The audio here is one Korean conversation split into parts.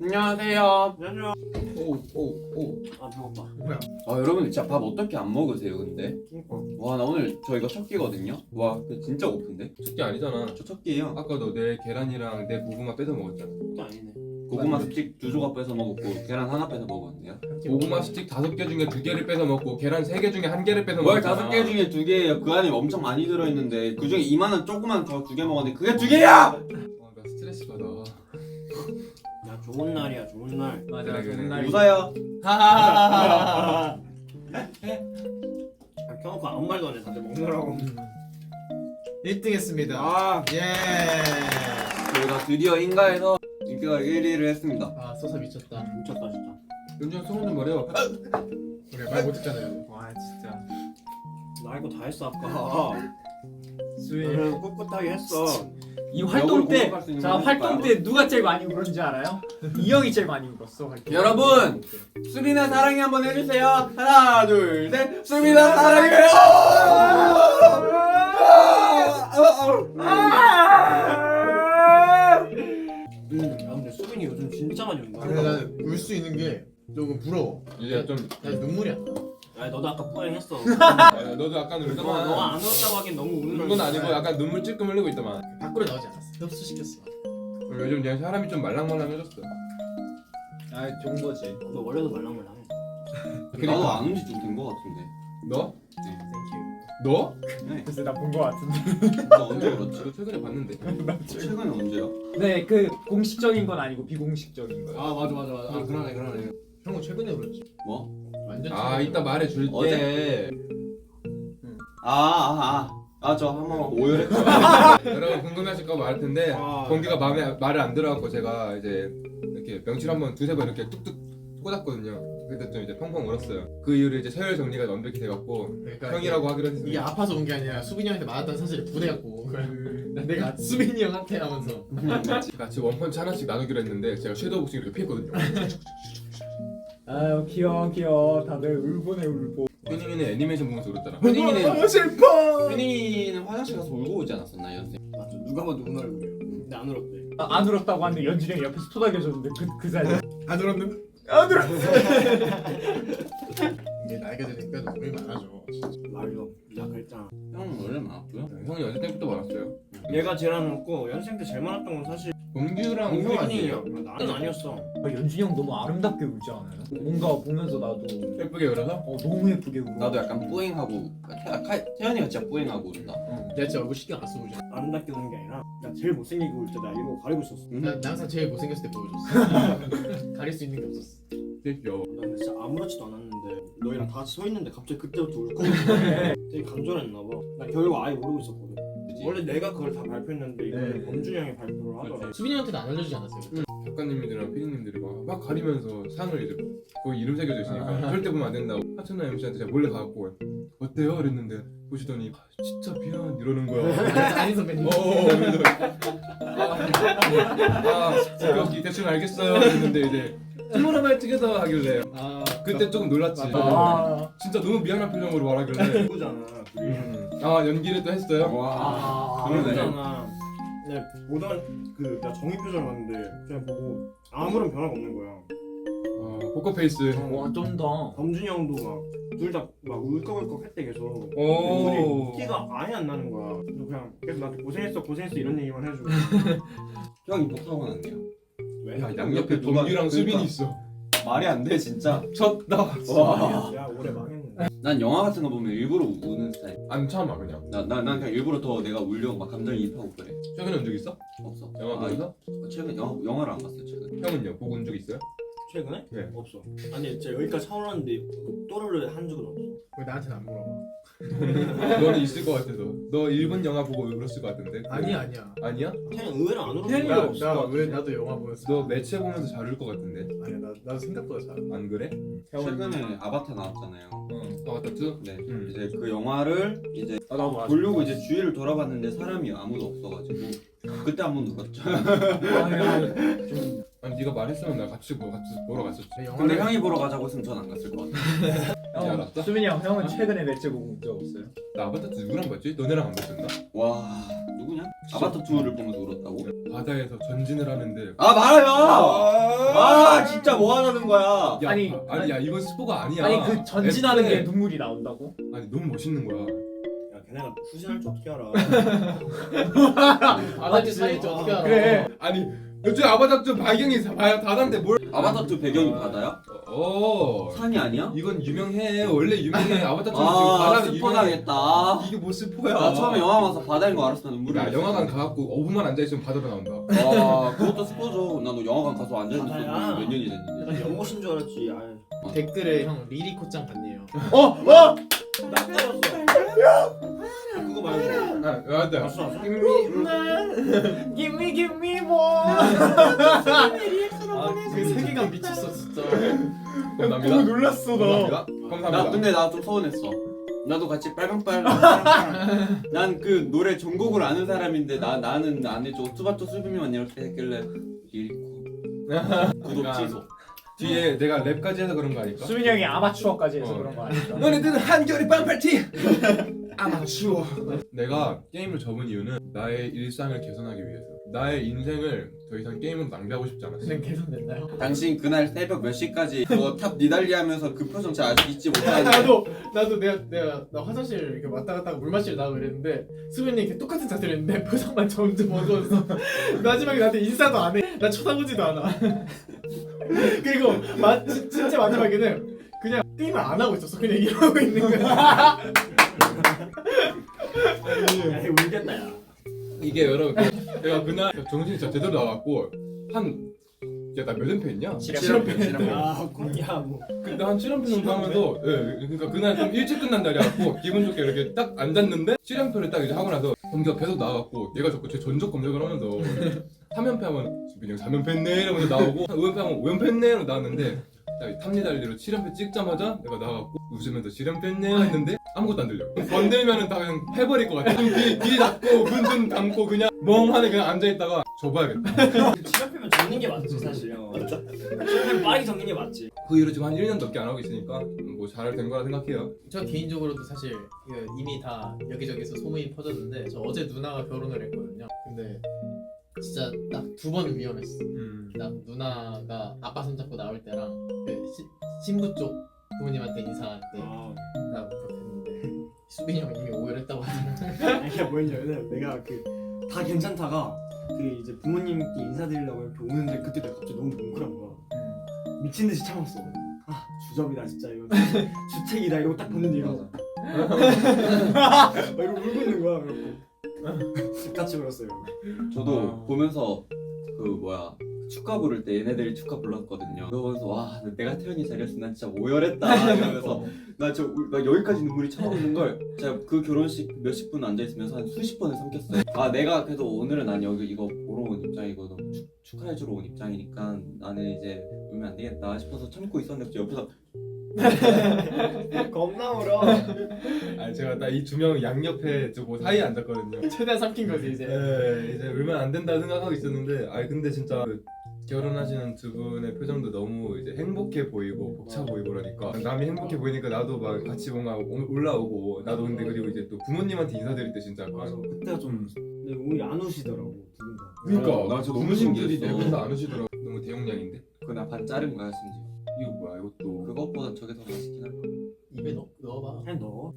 안녕하세요. 안녕. 오. 아 배고파. 뭐야? 아 여러분 진짜 밥 어떻게 안 먹으세요 근데? 그니까. 와 나 오늘 저 이거 첫 끼거든요. 와 진짜 고픈데? 첫끼 아니잖아. 저 첫 끼예요. 아까도 내 계란이랑 내 고구마 뺏어 먹었잖아. 그게 아니네. 고구마 스틱 2조각 뺏어 먹었고 계란 하나 뺏어 먹었네요. 고구마 스틱 5개 중에 2개를 뺏어 먹고 계란 3개 중에 1개를 뺏어 뭘 먹었잖아. 5개 중에 2개예요. 그 안에 엄청 많이 들어있는데 그 중에 이만한 조그만 거 2개 먹었는데 그게 2개야! 아, 나 스트레스 받아. 야 좋은 날이야 좋은 날. 맞아, 그래, 좋은 그래. 날이. 웃어요. 하하하하하. 아, 켜놓고 아무 말도 안 해. 다들 먹느라고. 1등 했습니다. 아 예. 저희가 드디어 인가에서 인기가 1위를 했습니다. 아, 소사 미쳤다. 미쳤다 진짜. 윤정 소문 좀 말해요. 우리 말 못했잖아요. 와, 진짜. 나 이거 다 했어 아까. 수위. 그래서 꿋꿋하게 했어. 이 활동 때, 공격할 수 있는 자 건 활동 해줄까요? 때 누가 제일 많이 울었는지 알아요? 이 형이 제일 많이 울었어. 활동. 여러분! 수빈아 사랑해 한번 해주세요. 하나 둘 셋. 수빈아 사랑해요. 야 근데 수빈이 요즘 진짜 많이 운다. 근데 나는 울 수 있는 게 조금 부러워. 이제 좀. 나 눈물이 안 나. 야 너도 아까 뿌행했어. 야, 너도 약간 너가 울더만. 안 울었다고 하긴 너무 우는 건 아니고 약간 눈물 찔끔 흘리고 있더만. 밖으로 나오지 않았어. 흡수시켰어. 요즘 그냥 사람이 좀 말랑말랑해졌어. 아 좋은 거지. 너 원래도 말랑말랑해. 나도 안 온지 좀 된 거 같은데. 너? 땡큐. 너? 네. 그래서 나 본 거 같은데. 나 언제 그렇지? 너 최근에 봤는데. 최근에 언제요? 네, 그 공식적인 건 아니고 비공식적인 거예요. 아, 맞아. 아, 그러네. 형은 최근에 울었지. 뭐? 완전 아 최근에 이따 말해줄게. 어제? 저 한번 오열했죠. 여러분 궁금해하실까 말할 텐데 아. 공기가 말을 안 들어갖고 제가 이제 이렇게 명치를 한번 두세 번 이렇게 뚝뚝 꽂았거든요. 그때 좀 이제 펑펑 울었어요. 그 이후로 이제 서열 정리가 완벽히 돼갖고 그러니까 형이라고 하기로 이게 했습니다. 아파서 온 게 아니라 수빈이 형한테 맞았다는 사실을 분해갖고 내가 수빈이 형한테 하면서 같이 원펀치 하나씩 나누기로 했는데 제가 섀도우 복싱 이렇게 피했거든요. 아유 귀여워. 다들 울보네 울보. 휴닝이는 애니메이션 보면서 울었잖아. 휴닝이는 슬퍼. 휴닝이는 화장실 가서 울고 오지 않았었나 연습? 맞아 누가 봐도 운 얼굴이야. 근데 안 울었대. 안 울었다고 하는데 연준이 형이 옆에서 토닥여줬는데 그 사이. 안 울었는데 안 울었어. 이게 나이가 드니까 눈물이 많아져. 진짜. 말로 나 그랬잖아. 형은 원래 많았고요. 형이 연습 때부터 많았어요. 얘가 제일 안 웃고 연생 때 제일 많았던 건 사실 공규랑 형 공균이야. 아니에요? 나는 아니었어. 연준이 형 너무 아름답게 울지 않아요? 뭔가 보면서 나도 예쁘게 울어서? 너무 예쁘게 울어. 나도 약간 뿌잉하고 태연이가 진짜 뿌잉하고 울다. 내가 진짜 얼굴 신경 안 쓰고 아름답게 우는 게 아니라 나 제일 못생기게 울 때 나 이거 가리고 있었어. 나 항상 제일 못생겼을 때 보여줬어. 가릴 수 있는 게 없었어. 되게 귀여워. 나 근데 진짜 아무렇지도 않았는데 너희랑 다 같이 서 있는데 갑자기 그때부터 울고 되게 간절했나 봐. 나 결국 아예 모르고 있었거든. 원래 내가 그걸 다 발표했는데 이거를 네. 범준이 형이 발표를 하더라. 수빈이 형한테도 안 알려주지 않았어요? 작가님들이랑 피디님들이 막 가리면서 상을 이제 거기 이름 새겨져 있으니까 절대 보면 안 된다고 하천나 MC한테 제가 몰래 가갖고 어때요? 그랬는데 보시더니 진짜 미안 이러는 거야. 아니 선배님. 그래서 여기 대충 알겠어요 그랬는데 이제 투모로우바이 투게더 하길래 그때 조금 놀랐지. 진짜 너무 미안한 표정으로 말하길래 누구잖아. 둘이. 연기를 또 했어요? 와. 누구잖아. 근데 보던 그나 정의 표정을 봤는데 그냥 보고 아무런 변화가 없는 거야. 포커페이스. 와 쩐다. 범준이 형도 막 둘 다 막 울컥울컥 했대 계속. 오. 둘이 티가 아예 안 나는 거야. 그래서 그냥 계속 나한테 고생했어 이런 얘기만 해주고. 형이 못하고 났네요. 왜? 야 양옆에 누가- 동규랑 수빈이 그러니까. 있어. 말이 안 돼 진짜. 쳤다. 와. 야 올해 망했네. 난 영화 같은 거 보면 일부러 우는 스타일. 안 참아 그냥. 난 그냥 일부러 더 내가 울려고 막 감정이입하고 그래. 최근에 온 적 있어? 없어. 영화 보면서? 최근 영화를 안 봤어 최근. 형은요? 보고 온 적 있어요? 최근에? 네. 없어. 아니 진짜 여기까지 차올랐는데 또르르 한 적은 없어. 왜 나한테는 안 물어봐? 너는 있을 것 같아서. 너 일본 영화 보고 울었을 것 같은데. 아니야. 아니야? 그냥 의외로 안 울었어. 태연이가 없을 것 같아. 나왜 나도 영화 보면서 너 매체 보면서 잘 울 것 같은데. 아니야 나도 생각보다 잘. 안 그래? 최근에 아바타 나왔잖아요. 아바타 2? 네. 응. 이제 그 영화를 이제 나도 아직. 보려고 이제 주위를 돌아봤는데 사람이 아무도 없어가지고 그때 한 번 울었죠. 좀 아니 네가 말했으면 나 같이 보러 갔었지. 근데 형이 보러 가자고 했으면 전 안 갔을 것 같아. 이제 알았어? 수민이 형은 최근에 매체 보고 본 적 없어요? 나 아바타 2 누구랑 봤지? 너네랑 안 봤었나? 와 누구냐? 아바타 2를 보면서 울었다고? 바다에서 전진을 하는데 아 말아요. 진짜 뭐 하자는 거야? 야, 아니, 아니 야 이건 스포가 아니야. 아니 그 전진하는 애초에- 게 눈물이 나온다고? 아니 너무 멋있는 거야. 야 걔네가 후진할 줄 어떻게 알아? 바다지 사이즈 어떻게 알아? 그래. 아니 요즘 아바타 좀 발경이 다단데 뭘? 아바타 2 배경이 바다야? 산이 아니야? 이건 유명해. 원래 유명해. 아바타 2 지금 아 바다는 스포 유명해. 당했다. 이게 뭐 스포야? 나 처음에 영화 봐서 바다인 거 알았어. 눈물이 야 났어. 영화관 가갖고 5분만 앉아 있으면 바다로 나온다. 아 그것도 스포죠. 나도 영화관 가서 앉아있는 바다야. 몇 년이 됐는데. 난 연못인 줄 알았지. 아유. 댓글에 형 리리코짱 봤네요. 나 떨었어. 그거 말고. 아 맞다. 봤어 봤어? Give me more. 그 세계관 미쳤어 진짜. 감사합니다. 놀랐어 감사합니다. 감사합니다. 나 근데 나 좀 서운했어. 나도 같이 빨강빨강. 난 그 노래 전곡을 아는 사람인데 나는 안 해줘. 뚜바뚜 수비만 이렇게 했길래 리리코. 구독 취소. 뒤에 내가 랩까지 해서 그런 거 아닐까? 수민이 형이 아마추어까지 해서 그런 거 아닐까? 너네들은 한결이 빵팔티. 아마추어. 내가 게임을 접은 이유는 나의 일상을 개선하기 위해서. 나의 인생을 더 이상 게임으로 낭비하고 싶지 않았어. 그냥 개선됐나요? 당신 그날 새벽 몇 시까지 그거 탑 니달리 하면서 그 표정 잘 아직 잊지 못하는데. 나도 나 화장실 이렇게 왔다 갔다 하고 물 마시러 나가고 이랬는데 수빈이 이렇게 똑같은 자세를 했는데 표정만 점점 어두워서 마지막에 나한테 인사도 안 해. 나 쳐다보지도 않아. 그리고 진짜 마지막에는 그냥 게임을 안 하고 있었어. 그냥 이러고 있는 거야. 야 이거 울겠다 야. 이게 여러분 내가 그날 정신이 진짜 제대로 나왔고 나 몇 연패 했냐? 실험편. 야 야 뭐. 근데 한 7연패 정도 하면서 그러니까 그날 좀 일찍 끝난 날이었고 기분 좋게 이렇게 딱 앉았는데 7연패를 딱 이제 하고 나서 검기가 계속 나와갖고 얘가 자꾸 제 전적 검색을 하면서 3연패 하면 그냥 3연패 했네 이러면서 나오고 5연패 하면 5연패 했네 이러면서 나왔는데 딱 탑니달리로 7연패 찍자마자 내가 나와갖고 웃으면서 7연패 했네 했는데 아무것도 안 들려. 건들면은 다 그냥 해버릴 것 같아. 귀 닫고 눈 감고 그냥 멍하니 그냥 앉아있다가 접어야겠다. 치료하면 적는 게 맞지 사실. 치료하면 빠르게 적는 게 맞지. 그 이후로 지금 한 1년 넘게 안 하고 있으니까 뭐 잘 된 거라 생각해요. 저 개인적으로도 사실 이미 다 여기저기서 소문이 퍼졌는데 저 어제 누나가 결혼을 했거든요. 근데 진짜 딱 2번 위험했어. 딱 누나가 아빠 손잡고 나올 때랑 그 신부 쪽 부모님한테 인사할 때 딱 그렇게 했는데 수빈이 형 이미 오열했다고 하더라고. 아니, 이게 뭐였냐면 내가 그 다 괜찮다가 그 이제 부모님께 인사드리려고 이렇게 오는데 그때 내가 갑자기 너무 뭉클한 거야. 미친 듯이 참았어. 아 주접이다 진짜 이거 주책이다 이러고 딱 보는데 이러고 이러고 울고 있는 거야. 그래갖고 같이 울었어요. 저도 보면서 그 뭐야 축가 부를 때 얘네들이 축가 불렀거든요. 그거 보면서 와 내가 태연이 자리였으면 난 진짜 오열했다 이러면서 나 여기까지 눈물이 차오르는 걸 제가 그 결혼식 몇십 분 앉아 있으면서 한 수십 번을 삼켰어요. 아 내가 그래도 오늘은 난 여기 이거 보러 온 입장이거든. 축하해주러 온 입장이니까 나는 이제 울면 안 되겠다 싶어서 참고 있었는데 옆에서 겁나 울어. 아니 제가 딱 이 두 명 양옆에 저거 사이에 앉았거든요. 최대한 삼킨 거지 이제. 네, 이제 울면 안 된다 생각하고 있었는데, 아니 근데 진짜 그 결혼하시는 두 분의 표정도 너무 이제 행복해 보이고 벅차 보이고 그러니까 남이 행복해 보이니까 나도 막 같이 뭔가 올라오고 나도 근데 그리고 이제 또 부모님한테 인사드릴 때 진짜 맞아. 약간 그때가 좀 근데 오히려 안 우시더라고 두 분 다. 그러니까 나 진짜 너무 신기들이 신기했어. 내면서 안 오시더라고. 너무 대용량인데 그거 나 반 자른 거야 심지어. 이거 뭐야 이것도 그것보다 저게 더 맛있긴 할 거야. 입에 넣어봐. 그냥 넣어.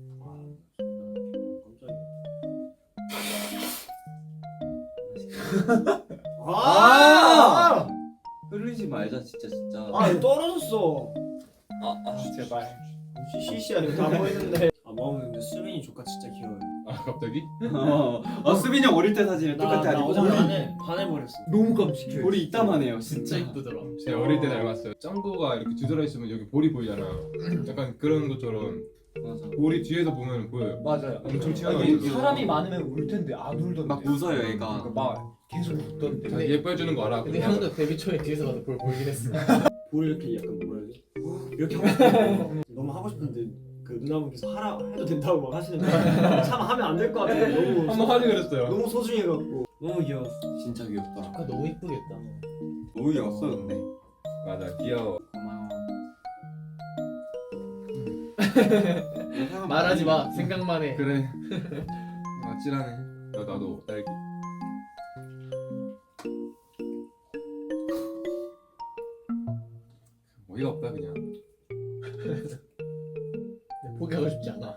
깜짝이야. 아! 흐르지 말자 진짜. 아 이거 떨어졌어. 제발. 시시야 이거 다 보이는데. 아 먹었는데 수민이 조카 진짜 귀여워요. 아 갑자기? 수빈이 형 어릴 때 사진을 똑같이 나 아직 어제 반해버렸어. 너무 깜찍해. 볼이 이따만해요 진짜 진짜. 이쁘더라. 제 어릴 때 닮았어요. 짱구가 이렇게 뒤돌아 있으면 여기 볼이 보이잖아. 약간 그런 것처럼 맞아. 볼이 뒤에서 보면 보여요. 맞아요. 엄청 아니, 튀어나오죠. 사람이 많으면 울 텐데 안 울던데. 막 웃어요 그러니까 얘가. 막 계속 웃던데. 자기 예뻐해주는 거 알아. 근데 형도 데뷔 초에 뒤에서 봐도 볼 보이긴 했어. 볼 이렇게 약간 뭐라 해야 돼? 이렇게 하고 싶은데 너무 하고 싶은데 그 누나분께서 하라 해도 된다고 막 하시는데 참 하면 안 될 것 같아. 너무 한번 하지 그랬어요. 너무 소중해갖고 너무 귀여웠어. 진짜 귀엽다. 아 너무 이쁘겠다. 너무 귀여웠어 근데. 맞아 귀여워. 고마워. 말하지 마. 생각만 해. 그래. 아찔하네. 나도 딸기. 어이가 없다 그냥. 포기하고 싶지 않아.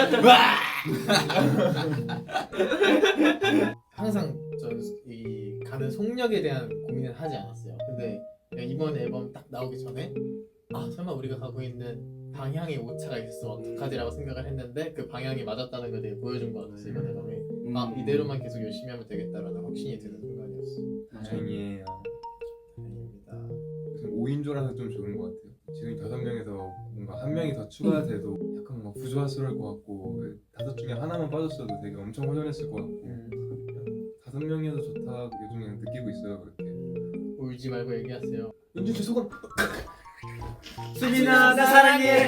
항상 이 가는 속력에 대한 고민을 하지 않았어요. 근데 이번 앨범 딱 나오기 전에 아 설마 우리가 가고 있는 방향에 오차가 있어 어떡하지라고 생각을 했는데 그 방향이 맞았다는 걸 되게 보여준 것 같았어 이번 앨범이. 아 이대로만 계속 열심히 하면 되겠다라는 확신이 드는 순간이었어. 다행이에요. 다행입니다. 5인조라서 좀 좋은 것 같아요. 지금 5명에서 뭔가 한 명이 더 추가돼도 약간 막 부조화스러울 것 같고 5 중에 하나만 빠졌어도 되게 엄청 허전했을 것 같고 5명이어도 좋다 요즘 그냥 느끼고 있어요 그렇게. 울지 말고 얘기하세요. 윤준 씨 소감. 수빈아 나 사랑해.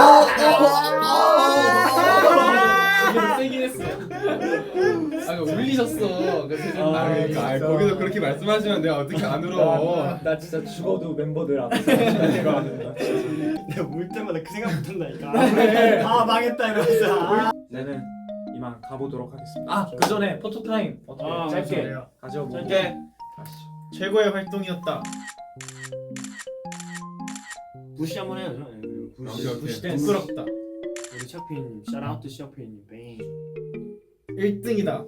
이게 세긴 했어. 아 울리셨어. 그 그러니까 거기서 그렇게 말씀하시면 내가 어떻게 안 울어. 나 진짜 죽어도 멤버들 앞에서 내가 내가 울 때마다 그 생각 못한다니까. 아 망했다 이러면서. 저는 이만 가보도록 하겠습니다. 그 전에 포토 타임 어떻게 짧게 좋아요. 가져보고 짧게. 가시죠. 최고의 활동이었다. 부시 한번 해야죠. 부시. 오케이. 부시 댄스. 부끄럽다. 우리 샤피님, 샤라우트 샤피님, 뱅. 1등이다.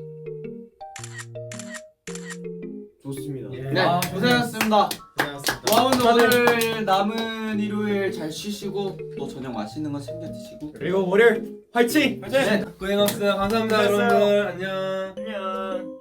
좋습니다. 예. 네, 고생하셨습니다. 고생하셨습니다. 와우는 오늘 남은 일요일 잘 쉬시고 또 저녁 맛있는 거 챙겨 드시고. 그리고 월요일 화이팅! 네, 고생 없어요. 감사합니다 고생했어요. 여러분들. 안녕. 안녕.